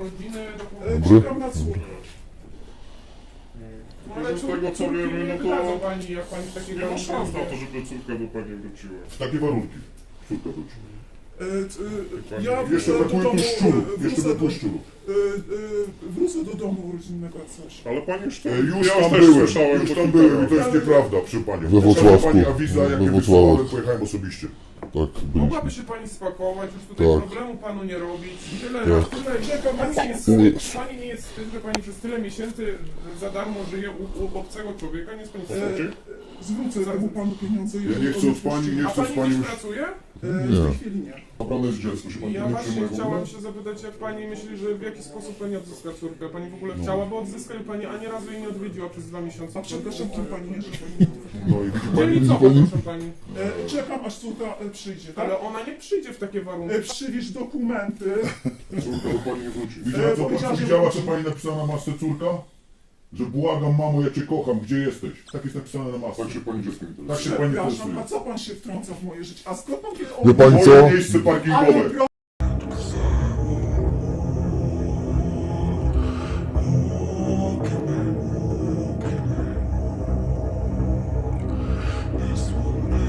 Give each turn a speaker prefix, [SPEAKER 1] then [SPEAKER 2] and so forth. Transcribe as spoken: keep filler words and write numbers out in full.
[SPEAKER 1] urodziny,
[SPEAKER 2] E,
[SPEAKER 1] dokumenty.
[SPEAKER 2] Czekam na córkę.
[SPEAKER 1] No, ale
[SPEAKER 3] Z tego co
[SPEAKER 1] córki
[SPEAKER 3] wiemy,
[SPEAKER 1] nie
[SPEAKER 3] no
[SPEAKER 1] wydadzą
[SPEAKER 3] to
[SPEAKER 1] pani, jak pani w takiej
[SPEAKER 3] nie ma
[SPEAKER 1] warunki
[SPEAKER 3] szans na
[SPEAKER 1] wie.
[SPEAKER 3] to, żeby córka do pani wróciła.
[SPEAKER 4] W takie warunki. Córka wróci.
[SPEAKER 2] E, e, Ja
[SPEAKER 4] Jeszcze
[SPEAKER 2] wrócę do
[SPEAKER 4] brakuje
[SPEAKER 2] domu,
[SPEAKER 4] tu szczurów.
[SPEAKER 2] e,
[SPEAKER 4] Jeszcze
[SPEAKER 2] wrócę
[SPEAKER 4] brakuje
[SPEAKER 2] do,
[SPEAKER 4] szczurów.
[SPEAKER 2] e, e, wrócę do domu rodzinnego jak coś.
[SPEAKER 3] Ale pani już,
[SPEAKER 4] E,
[SPEAKER 3] tam,
[SPEAKER 4] Już
[SPEAKER 3] ja
[SPEAKER 4] tam
[SPEAKER 3] też
[SPEAKER 4] byłem,
[SPEAKER 3] słyszałem
[SPEAKER 4] już
[SPEAKER 3] po
[SPEAKER 4] tam
[SPEAKER 3] kilka
[SPEAKER 4] byłem i to
[SPEAKER 3] razy.
[SPEAKER 4] jest nieprawda, proszę panią.
[SPEAKER 5] We Włocławku.
[SPEAKER 4] Pani awiza, jak
[SPEAKER 5] We
[SPEAKER 4] mnie
[SPEAKER 5] Włocławku.
[SPEAKER 4] wysłałem, pojechałem osobiście.
[SPEAKER 5] Tak,
[SPEAKER 1] Mogłaby
[SPEAKER 5] byliśmy.
[SPEAKER 1] się pani spakować, już tutaj
[SPEAKER 5] Tak.
[SPEAKER 1] problemu panu nie robić. Tyle,
[SPEAKER 5] Tak.
[SPEAKER 1] tyle, tyle pani, nie jest,
[SPEAKER 5] Nie.
[SPEAKER 1] pani nie jest wstyd, że pani przez tyle miesięcy za darmo żyje u, u obcego człowieka, nie jest pani wstyd.
[SPEAKER 3] Znaczy?
[SPEAKER 2] E, Zwrócę temu panu pieniądze.
[SPEAKER 4] Ja nie chcę od pani, nie
[SPEAKER 1] A
[SPEAKER 4] chcę z
[SPEAKER 1] pani
[SPEAKER 4] pani
[SPEAKER 1] gdzieś
[SPEAKER 4] już...
[SPEAKER 1] pracuje?
[SPEAKER 2] E, W tej chwili nie.
[SPEAKER 4] Naprawdę jest dziecko, się pani
[SPEAKER 1] Ja
[SPEAKER 4] nie
[SPEAKER 1] właśnie
[SPEAKER 4] przyjmuje w ogóle?
[SPEAKER 1] chciałam się zapytać, jak pani myśli, że w jaki sposób pani odzyska córkę? Pani w ogóle chciałaby odzyskać, pani ani razu jej nie odwiedziła przez dwa miesiące.
[SPEAKER 2] A przepraszam, kim pani jest?
[SPEAKER 4] No i widzi
[SPEAKER 1] Czyli
[SPEAKER 4] pani...
[SPEAKER 1] co, proszę pani?
[SPEAKER 2] E, Czekam aż córka e, przyjdzie, tak?
[SPEAKER 1] Ale ona nie przyjdzie w takie warunki.
[SPEAKER 2] E, Przywieź dokumenty.
[SPEAKER 4] Córka do pani nie wróci.
[SPEAKER 2] E,
[SPEAKER 4] Widziała, co,
[SPEAKER 2] powiedziała,
[SPEAKER 4] co,
[SPEAKER 2] że
[SPEAKER 4] widziała,
[SPEAKER 2] wróci.
[SPEAKER 4] co pani napisała na masce córka? Że błagam, mamo, ja cię kocham, gdzie jesteś? Tak jest napisane na masce. Tak się pani dziecko interesuje. Tak się pani
[SPEAKER 2] Przepraszam,
[SPEAKER 4] interesuje.
[SPEAKER 2] a co pan się wtrąca w moje życie? A skąd pan wie o
[SPEAKER 5] Wie pani
[SPEAKER 4] Moje
[SPEAKER 5] co?
[SPEAKER 4] miejsce
[SPEAKER 2] Ale
[SPEAKER 4] parkingowe.
[SPEAKER 2] pro-